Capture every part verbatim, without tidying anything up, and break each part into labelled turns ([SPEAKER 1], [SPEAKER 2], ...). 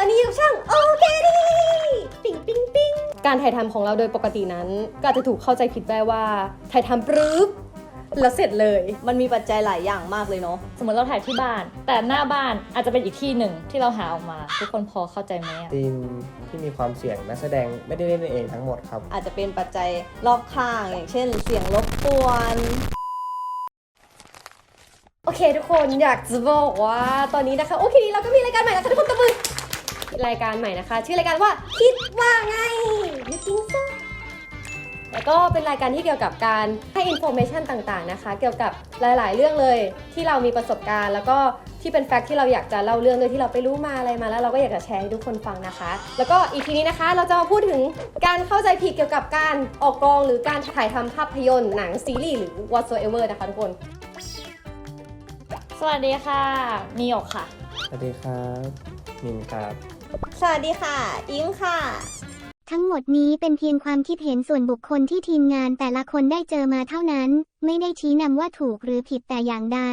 [SPEAKER 1] อนนี้อยู่ช่างโอเคดีปิ๊งปิ๊งปิ๊งการถ่ายทำของเราโดยปกตินั้นก็อาจจะถูกเข้าใจผิดได้ว่าถ่ายทำปรึ๊บแล้วเสร็จเลย
[SPEAKER 2] มันมีปัจจัยหลายอย่างมากเลยเนาะ
[SPEAKER 3] สมมติเราถ่ายที่บ้านแต่หน้าบ้านอาจจะเป็นอีกที่หนึ่งที่เราหาออกมาทุกคนพอเข้าใจไหมอะ
[SPEAKER 4] ทีมที่มีความเสี่ยงนักแสดงไม่ได้เล่นเองทั้งหมดครับ
[SPEAKER 2] อาจจะเป็นปัจจัยรอบข้างอย่างเช่นเสียงรบกวน
[SPEAKER 1] โอเคทุกคนอยากจะบอกว่าตอนนี้นะคะโอเคเราก็มีรายการใหม่นะคะทุกคนตบมือรายการใหม่นะคะชื่อรายการว่าคิดว่าไงยูทิงซ่าแล้วก็เป็นรายการที่เกี่ยวกับการให้อินโฟเมชันต่างๆนะคะเกี่ยวกับหลายๆเรื่องเลยที่เรามีประสบการณ์แล้วก็ที่เป็นแฟกต์ที่เราอยากจะเล่าเรื่องโดยที่เราไปรู้มาอะไรมาแล้วเราก็อยากจะแชร์ให้ทุกคนฟังนะคะแล้วก็อีพีนี้นะคะเราจะมาพูดถึงการเข้าใจผิดเกี่ยวกับการออกกองหรือการถ่ายทำภาพยนตร์หนังซีรีส์หรือ whatsoever นะคะทุกคน
[SPEAKER 3] สวัสดีค่ะมีหยกค่ะ
[SPEAKER 4] สวัสดีครับมินครับ
[SPEAKER 2] สวัสดีค่ะอิงค่ะ
[SPEAKER 5] ทั้งหมดนี้เป็นเพียงความคิดเห็นส่วนบุคคลที่ทีมงานแต่ละคนได้เจอมาเท่านั้นไม่ได้ชี้นำว่าถูกหรือผิดแต่อย่างใด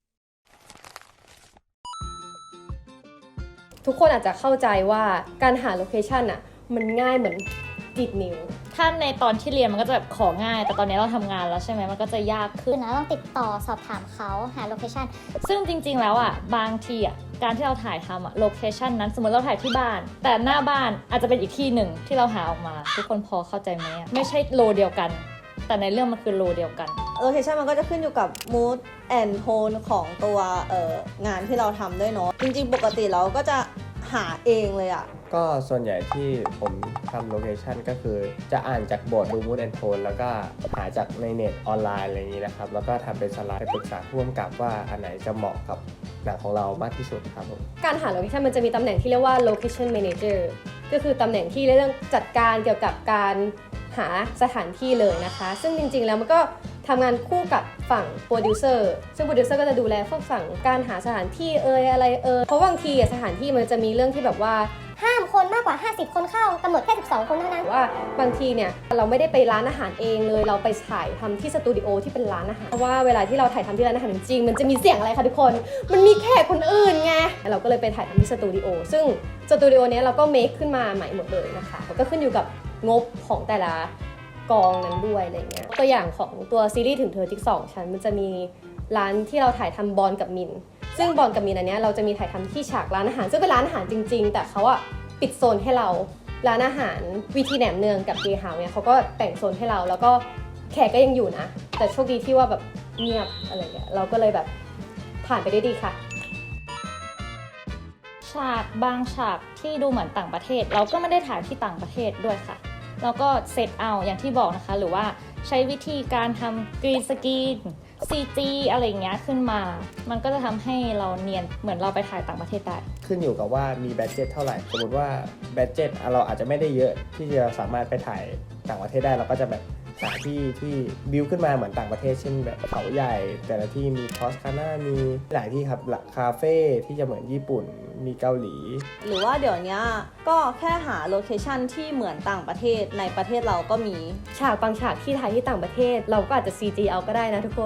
[SPEAKER 1] ทุกคนอาจจะเข้าใจว่าการหาโลเคชันอ่ะมันง่ายเหมือนดีดนิ้ว
[SPEAKER 3] ถ้าในตอนที่เรียนมันก็จะแบบของง่ายแต่ตอนนี้เราทำงานแล้วใช่ไหมมันก็จะยากขึ้น
[SPEAKER 5] นะต้องติดต่อสอบถามเขาหาโลเคชัน
[SPEAKER 3] ซึ่งจริงๆแล้วอ่ะบางทีอ่ะการที่เราถ่ายทำอ่ะโลเคชันนั้นสมมติเราถ่ายที่บ้านแต่หน้าบ้านอาจจะเป็นอีกที่หนึ่งที่เราหาออกมาทุกคนพอเข้าใจไหมไม่ใช่โลเดียวกันแต่ในเรื่องมันคือโลเดียวกัน
[SPEAKER 2] โลเคชันมันก็จะขึ้นอยู่กับ mood and tone ของตัวเอ่องานที่เราทำด้วยเนาะจริงๆปกติเราก็จะหาเองเลยอะ
[SPEAKER 4] ก็ส่วนใหญ่ที่ผมทำโลเคชันก็คือจะอ่านจากบทดูมูดแอนโทนแล้วก็หาจากในเน็ตออนไลน์อะไรอย่างนี้นะครับแล้วก็ทำเป็นสไลด์ไปปรึกษาผู้กำกับว่าอันไหนจะเหมาะกับหนังของเรามากที่สุดครับผม
[SPEAKER 1] การหาโลเคชันมันจะมีตำแหน่งที่เรียกว่า location manager ก็คือตำแหน่งที่เรื่องจัดการเกี่ยวกับการหาสถานที่เลยนะคะซึ่งจริงๆแล้วมันก็ทำงานคู่กับฝั่งโปรดิวเซอร์ซึ่งโปรดิวเซอร์ก็จะดูแลพวกฝั่งการหาสถานที่เอ่ยอะไรเอ่ยเพราะบางทีสถานที่มันจะมีเรื่องที่แบบว่า
[SPEAKER 5] ห้ามคนมากกว่าห้าสิบคนเข้ากำหนดแค่สิบสองคนเท่านั้น
[SPEAKER 1] ว่าบางทีเนี่ยเราไม่ได้ไปร้านอาหารเองเลยเราไปถ่ายทำที่สตูดิโอที่เป็นร้านอาหารเพราะว่าเวลาที่เราถ่ายทำที่ร้านอาหารจริงๆมันจะมีเสียงอะไรคะทุกคนมันมีแขกคนอื่นไงเราก็เลยไปถ่ายทำที่สตูดิโอซึ่งสตูดิโอเนี้ยเราก็เมคขึ้นมาใหม่หมดเลยนะคะก็ขึ้นอยู่กับงบของแต่ละกองนั้นด้วยอะไรเงี้ยตัวอย่างของตัวซีรีส์ถึงเธอจิ๊กสองชั้นมันจะมีร้านที่เราถ่ายทำบอลกับมินซึ่งบอลกับมินอันเนี้ยเราจะมีถ่ายทำที่ฉากร้านอาหารซึ่งเป็นร้านอาหารจริงๆแต่เขาอะปิดโซนให้เราร้านอาหารวีทีแหนมเนืองกับเกย์เฮาส์เนี่ยเขาก็แต่งโซนให้เราแล้วก็แขกก็ยังอยู่นะแต่โชคดีที่ว่าแบบเงียบอะไรเงี้ยเราก็เลยแบบผ่านไปได้ดีค่ะ
[SPEAKER 3] ฉากบางฉากที่ดูเหมือนต่างประเทศเราก็ไม่ได้ถ่ายที่ต่างประเทศด้วยค่ะแล้วก็เซตเอาอย่างที่บอกนะคะหรือว่าใช้วิธีการทำกรีนสกรีน ซี จี อะไรอย่างเงี้ยขึ้นมามันก็จะทำให้เราเนียนเหมือนเราไปถ่ายต่างประเทศได้
[SPEAKER 4] ขึ้นอยู่กับว่ามีบัดเจ็ตเท่าไหร่สมมติว่าบัดเจ็ตเราอาจจะไม่ได้เยอะที่จะสามารถไปถ่ายต่างประเทศได้เราก็จะแบบหาที่ที่บิวขึ้นมาเหมือนต่างประเทศเช่นแบบเขาใหญ่แต่ละที่มีทอสคาน่ามีหลายที่ครับคาเฟ่ที่จะเหมือนญี่ปุ่นมีเกาหลี
[SPEAKER 2] หรือว่าเดี๋ยวนี้ก็แค่หาโลเคชันที่เหมือนต่างประเทศในประเทศเราก็มี
[SPEAKER 1] ฉากบางฉากที่ถ่ายที่ต่างประเทศเราก็อาจจะ ซี จี เอาก็ได้นะทุกคน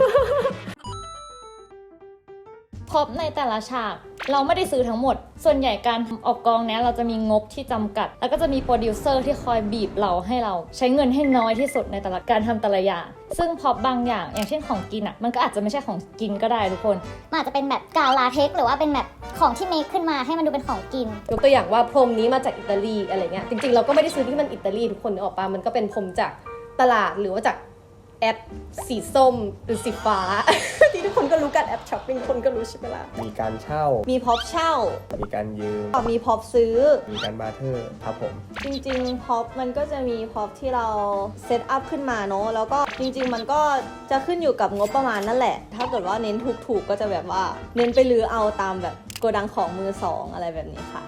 [SPEAKER 3] พบในแต่ละฉากเราไม่ได้ซื้อทั้งหมดส่วนใหญ่การออกกองเนี้ยเราจะมีงบที่จำกัดแล้วก็จะมีโปรดิวเซอร์ที่คอยบีบเราให้เราใช้เงินให้น้อยที่สุดในแต่ละการทำแต่ละอย่างซึ่งพอบางอย่างอย่างเช่นของกินอ่ะมันก็อาจจะไม่ใช่ของกินก็ได้ทุกคน
[SPEAKER 5] มันอาจจะเป็นแบบกาวลาเท็กซ์หรือว่าเป็นแบบของที่เมคขึ้นมาให้มันดูเป็นของกิน
[SPEAKER 1] ยกตัวอย่างว่าพรมนี้มาจากอิตาลีอะไรเงี้ยจริงๆเราก็ไม่ได้ซื้อที่มันอิตาลีทุกคนนึกออกปะมันก็เป็นพรมจากตลาดหรือว่าจากแอปสีส้มหรือสีฟ้า ที่ทุกคนก็รู้กันแอปช้อปปิ้งคนก็รู้ใช่ไหมล่ะ
[SPEAKER 4] มีการเช่า
[SPEAKER 2] มีพ็อปเช่า
[SPEAKER 4] มีการยืม
[SPEAKER 2] มีพ็อปซื้อ
[SPEAKER 4] มีการบาร์เทอร์ครับผม
[SPEAKER 2] จริงๆพ็อปมันก็จะมีพ็อปที่เราเซตอัพขึ้นมาเนาะแล้วก็จริงๆมันก็จะขึ้นอยู่กับงบประมาณนั่นแหละถ้าเกิดว่าเน้นถูกๆก็จะแบบว่าเน้นไปรื้อเอาตามแบบโกดังของมือสองอะไรแบบนี้ค่ะ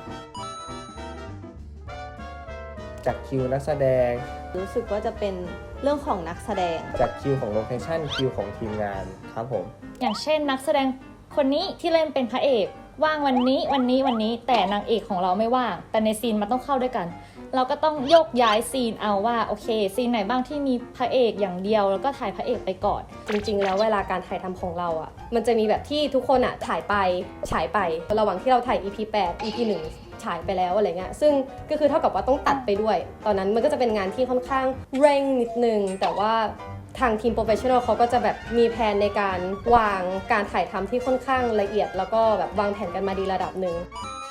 [SPEAKER 4] จากคิวนักแสดง
[SPEAKER 2] รู้สึกว่าจะเป็นเรื่องของนักแสดง
[SPEAKER 4] จากคิวของโลเคชั่นคิวของทีมงานครับผม
[SPEAKER 3] อย่างเช่นนักแสดงคนนี้ที่เล่นเป็นพระเอกว่างวันนี้วันนี้วันนี้แต่นางเอกของเราไม่ว่างแต่ในซีนมันต้องเข้าด้วยกันเราก็ต้องโยกย้ายซีนเอาว่าโอเคซีนไหนบ้างที่มีพระเอกอย่างเดียวแล้วก็ถ่ายพระเอกไปก่อน
[SPEAKER 1] จริงๆแล้วเวลาการถ่ายทำของเราอ่ะมันจะมีแบบที่ทุกคนอ่ะถ่ายไปฉายไประหว่างที่เราถ่าย อี พี แปด อี พี หนึ่งฉายไปแล้วอะไรเงี้ยซึ่งก็คือเท่ากับว่าต้องตัดไปด้วยตอนนั้นมันก็จะเป็นงานที่ค่อนข้างเร่งนิดนึงแต่ว่าทางทีมโปรเฟชชั่นอลเขาก็จะแบบมีแผนในการวางการถ่ายทำที่ค่อนข้างละเอียดแล้วก็แบบวางแผนกันมาดีระดับหนึ่ง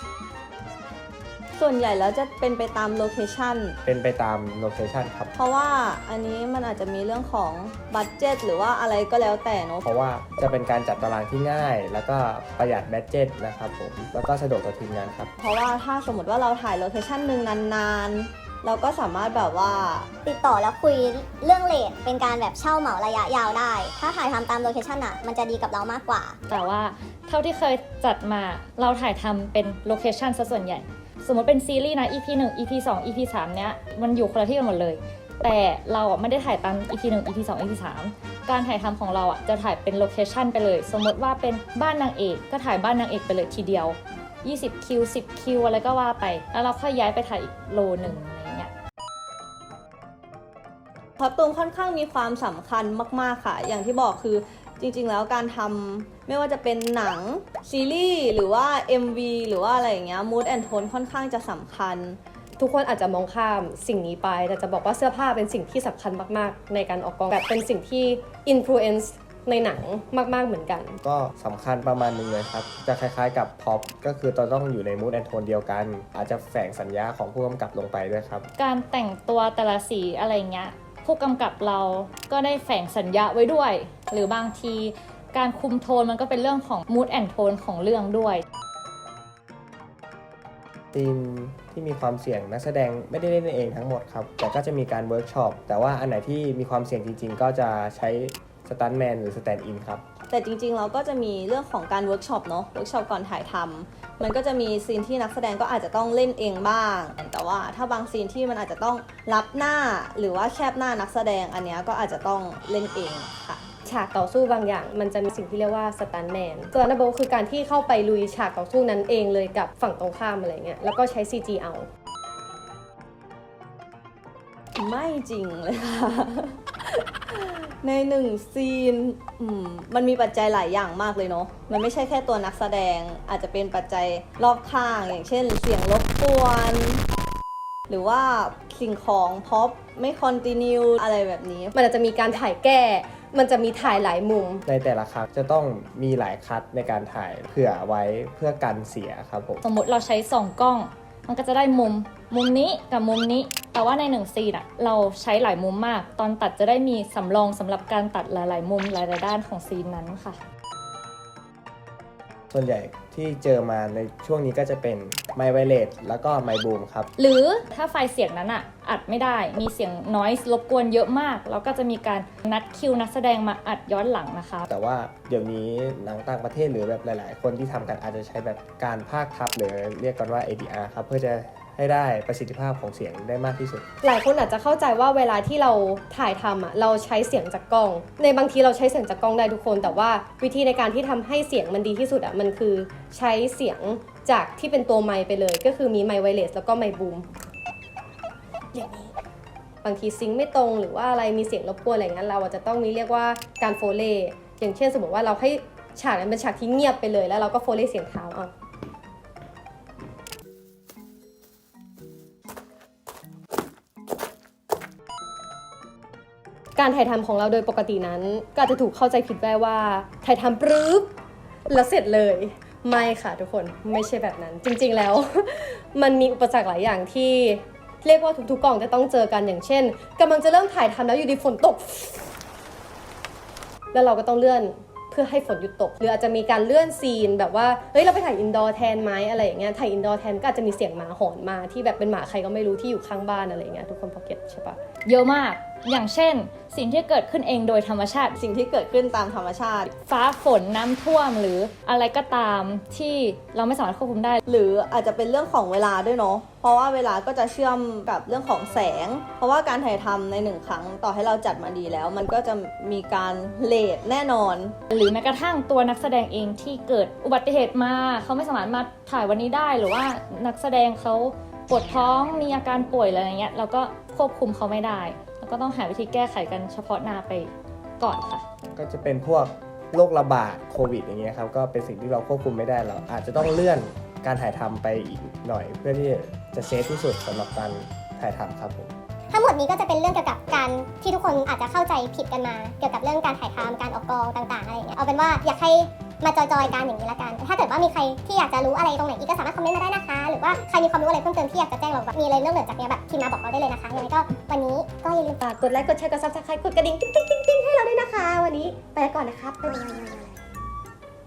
[SPEAKER 2] ส่วนใหญ่แล้วจะเป็นไปตามโลเคชัน
[SPEAKER 4] เป็นไปตามโลเคชันครับ
[SPEAKER 2] เพราะว่าอันนี้มันอาจจะมีเรื่องของบัดเจ็ตหรือว่าอะไรก็แล้วแต่เนาะ
[SPEAKER 4] เพราะว่าจะเป็นการจัดตารางที่ง่ายแล้วก็ประหยัดบัดเจ็ตนะครับผมแล้วก็สะดวกต่อทีมงานครับ
[SPEAKER 2] เพราะว่าถ้าสมมติว่าเราถ่ายโลเคชันหนึ่งนานๆเราก็สามารถแบบว่า
[SPEAKER 5] ติดต่อแล้วคุยเรื่องเรทเป็นการแบบเช่าเหมาระยะยาวได้ถ้าถ่ายทำตามโลเคชันอ่ะมันจะดีกับเรามากกว่า
[SPEAKER 3] แต่ว่าเท่าที่เคยจัดมาเราถ่ายทำเป็นโลเคชันซะส่วนใหญ่สมมติเป็นซีรีส์นะ อี พี หนึ่ง อี พี สอง อี พี สาม เนี้ยมันอยู่คนละที่กันหมดเลยแต่เราอ่ะไม่ได้ถ่ายตาม อี พี หนึ่ง อี พี สอง อี พี สาม การถ่ายทำของเราอ่ะจะถ่ายเป็นโลเคชันไปเลยสมมติว่าเป็นบ้านนางเอกก็ถ่ายบ้านนางเอกไปเลยทีเดียวยี่สิบคิวสิบคิวอะไรก็ว่าไปแล้วเราค่อยย้ายไปถ่ายอีกโลนึงอะไรเงี้ย
[SPEAKER 2] คอสตูมค่อนข้างมีความสำคัญมากๆค่ะอย่างที่บอกคือจริงๆแล้วการทำไม่ว่าจะเป็นหนังซีรีส์หรือว่า เอ็ม วี หรือว่าอะไรอย่างเงี้ย mood and tone ค่อนข้างจะสำคัญ
[SPEAKER 1] ทุกคนอาจจะมองข้ามสิ่งนี้ไปแต่จะบอกว่าเสื้อผ้าเป็นสิ่งที่สำคัญมากๆในการออกกองแบบเป็นสิ่งที่ influence ในหนังมากๆเหมือนกัน
[SPEAKER 4] ก็สำคัญประมาณนึงเลยครับจะคล้ายๆกับพ็อปก็คือเราต้องอยู่ใน mood and tone เดียวกันอาจจะแฝงสัญญาของผู้กำกับลงไปด้วยครับ
[SPEAKER 3] การแต่งตัวแต่ละสีอะไรเงี้ยผู้กำกับเราก็ได้แฝงสัญญาไว้ด้วยหรือบางทีการคุมโทนมันก็เป็นเรื่องของ mood and tone ของเรื่องด้วย
[SPEAKER 4] ทีมที่มีความเสี่ยงนักแสดงไม่ได้เล่นเองทั้งหมดครับแต่ก็จะมีการเวิร์กช็อปแต่ว่าอันไหนที่มีความเสี่ยงจริงๆก็จะใช้สตันท์แมนหรือสแตนด์อินครับ
[SPEAKER 2] แต่จริงๆเราก็จะมีเรื่องของการเวิร์กช็อปเนาะเวิร์กช็อปก่อนถ่ายทำมันก็จะมีซีนที่นักแสดงก็อาจจะต้องเล่นเองบ้างแต่ว่าถ้าบางซีนที่มันอาจจะต้องรับหน้าหรือว่าแคบหน้านักแสดงอันนี้ก็อาจจะต้องเล่นเองค่ะ
[SPEAKER 1] ฉากต่อสู้บางอย่างมันจะมีสิ่งที่เรียกว่าสตันท์แมนสตันท์แมนคือการที่เข้าไปลุยฉากต่อสู้นั้นเองเลยกับฝั่งตรงข้ามอะไรเงี้ยแล้วก็ใช้ ซี จี เอา
[SPEAKER 2] ไม่จริงเลยค่ะในหนึ่งซีนมันมีปัจจัยหลายอย่างมากเลยเนาะมันไม่ใช่แค่ตัวนักแสดงอาจจะเป็นปัจจัยรอบข้างอย่างเช่นเสียงรบกวนหรือว่าสิ่งของพ็อปไม่คอนติเนียอะไรแบบนี้
[SPEAKER 1] มันอาจจะมีการถ่ายแก้มันจะมีถ่ายหลายมุม
[SPEAKER 4] ในแต่ละครั้งจะต้องมีหลายคัทในการถ่ายเผื่อไว้เพื่อกันเสียครับผม
[SPEAKER 3] สมมติเราใช้สองกล้องมันก็จะได้มุมมุมนี้กับมุมนี้แต่ว่าในหนึ่งซีนอะเราใช้หลายมุมมากตอนตัดจะได้มีสำรองสำหรับการตัดหลายๆมุมหลายๆด้านของซีนนั้นค่ะ
[SPEAKER 4] ส่วนใหญ่ที่เจอมาในช่วงนี้ก็จะเป็นไมค์ไวเลสแล้วก็ไมค์บูมครับ
[SPEAKER 3] หรือถ้าไฟล์เสียงนั้นอะอัดไม่ได้มีเสียงนอยส์รบกวนเยอะมากแล้วก็จะมีการนัดคิวนักแสดงมาอัดย้อนหลังนะคะ
[SPEAKER 4] แต่ว่าเดี๋ยวนี้หนังต่างประเทศหรือแบบหลายๆคนที่ทำกันอาจจะใช้แบบการพากย์ทับหรือเรียกกันว่า เอ ดี อาร์ ครับเพื่อจะให้ได้ประสิทธิภาพของเสียงได้มากที่สุด
[SPEAKER 1] หลายคนอาจจะเข้าใจว่าเวลาที่เราถ่ายทำอ่ะเราใช้เสียงจากกล้องในบางทีเราใช้เสียงจากกล้องได้ทุกคนแต่ว่าวิธีในการที่ทำให้เสียงมันดีที่สุดอ่ะมันคือใช้เสียงจากที่เป็นตัวไมค์ไปเลยก็คือมีไมค์ไวเลสแล้วก็ไมค์บูมอย่างนี้บางทีซิงค์ไม่ตรงหรือว่าอะไรมีเสียงรบกวนอะไรเงี้ยเราจะต้องมีเรียกว่าการโฟเลย์อย่างเช่นสมมติว่าเราให้ฉากนั้นเป็นฉากที่เงียบไปเลยแล้วเราก็โฟเลย์เสียงเท้าอ่ะการถ่ายทำของเราโดยปกตินั้นก็อาจจะถูกเข้าใจผิดได้ว่าถ่ายทำปรึ๊บแล้วเสร็จเลยไม่ค่ะทุกคนไม่ใช่แบบนั้นจริงๆแล้ว มันมีอุปสรรคหลายอย่างที่เรียกว่าทุกๆกองจะต้องเจอกันอย่างเช่นกำลังจะเริ่มถ่ายทำแล้วอยู่ดีฝนตกแล้วเราก็ต้องเลื่อนเพื่อให้ฝนหยุดตกหรืออาจจะมีการเลื่อนซีนแบบว่าเฮ้ยเราไปถ่ายอินดอร์แทนไหมอะไรอย่างเงี้ยถ่ายอินดอร์แทนก็อาจจะมีเสียงหมาหอนมาที่แบบเป็นหมาใครก็ไม่รู้ที่อยู่ข้างบ้านอะไรอย่างเงี้ยทุกคนพอเก็ตใช่ปะ
[SPEAKER 3] เยอะมากอย่างเช่น สิ่งที่เกิดขึ้นเองโดยธรรมชาติ
[SPEAKER 2] สิ่งที่เกิดขึ้นตามธรรมชาติ
[SPEAKER 3] ฟ้าฝนน้ำท่วมหรืออะไรก็ตามที่เราไม่สามารถควบคุมได้
[SPEAKER 2] หรืออาจจะเป็นเรื่องของเวลาด้วยเนาะเพราะว่าเวลาก็จะเชื่อมกับเรื่องของแสง เพราะว่าการถ่ายทำในหนึ่งครั้งต่อให้เราจัดมาดีแล้ว มันก็จะมีการเลทแน่นอน
[SPEAKER 3] หรือแม้กระทั่งตัวนักแสดงเองที่เกิดอุบัติเหตุมาเขาไม่สามารถมาถ่ายวันนี้ได้หรือว่านักแสดงเขาปวดท้องมีอาการป่วยอะไรอย่างเงี้ยเราก็ควบคุมเขาไม่ได้แล้วก็ต้องหาวิธีแก้ไขกันเฉพาะหน้าไปก่อนค่ะ
[SPEAKER 4] ก็จะเป็นพวกโรคระบาดโควิดอย่างเงี้ยครับก็เป็นสิ่งที่เราควบคุมไม่ได้เราอาจจะต้องเลื่อนการถ่ายทำไปอีกหน่อย เพื่อที่จะเซฟที่สุดสำหรับการถ่ายทำครับผม
[SPEAKER 5] ทั้งหมดนี้ก็จะเป็นเรื่องเกี่ยวกับการที่ทุกคนอาจจะเข้าใจผิดกันมา เกี่ยวกับเรื่องการถ่ายทำการออกกองต่างๆอะไรอย่างเงี้ยเอาเป็นว่าอยากให้มาจอยๆกันอย่างนี้ละกัน ถ้าเกิดว่ามีใครที่อยากจะรู้อะไรตรงไหนอีกก็สามารถคอมเมนต์มาได้นะคะ หรือว่าใครมีความรู้อะไรเพิ่มเติมที่อยากจะแจ้งเราแบบมีอะไรเรื่องเหนือจากนี้แบบพิมพ์มาบอกเราได้เลยนะคะยังไงก็วันนี้ก็อย่าลืมฝากกดไลค์กดแชร์กดซับสไครต์กดกระดิ่งติ๊งติ๊งติ๊งให้เราด้วยนะคะ วันนี้ไปแล้วก่อนนะครับบ๊ายบาย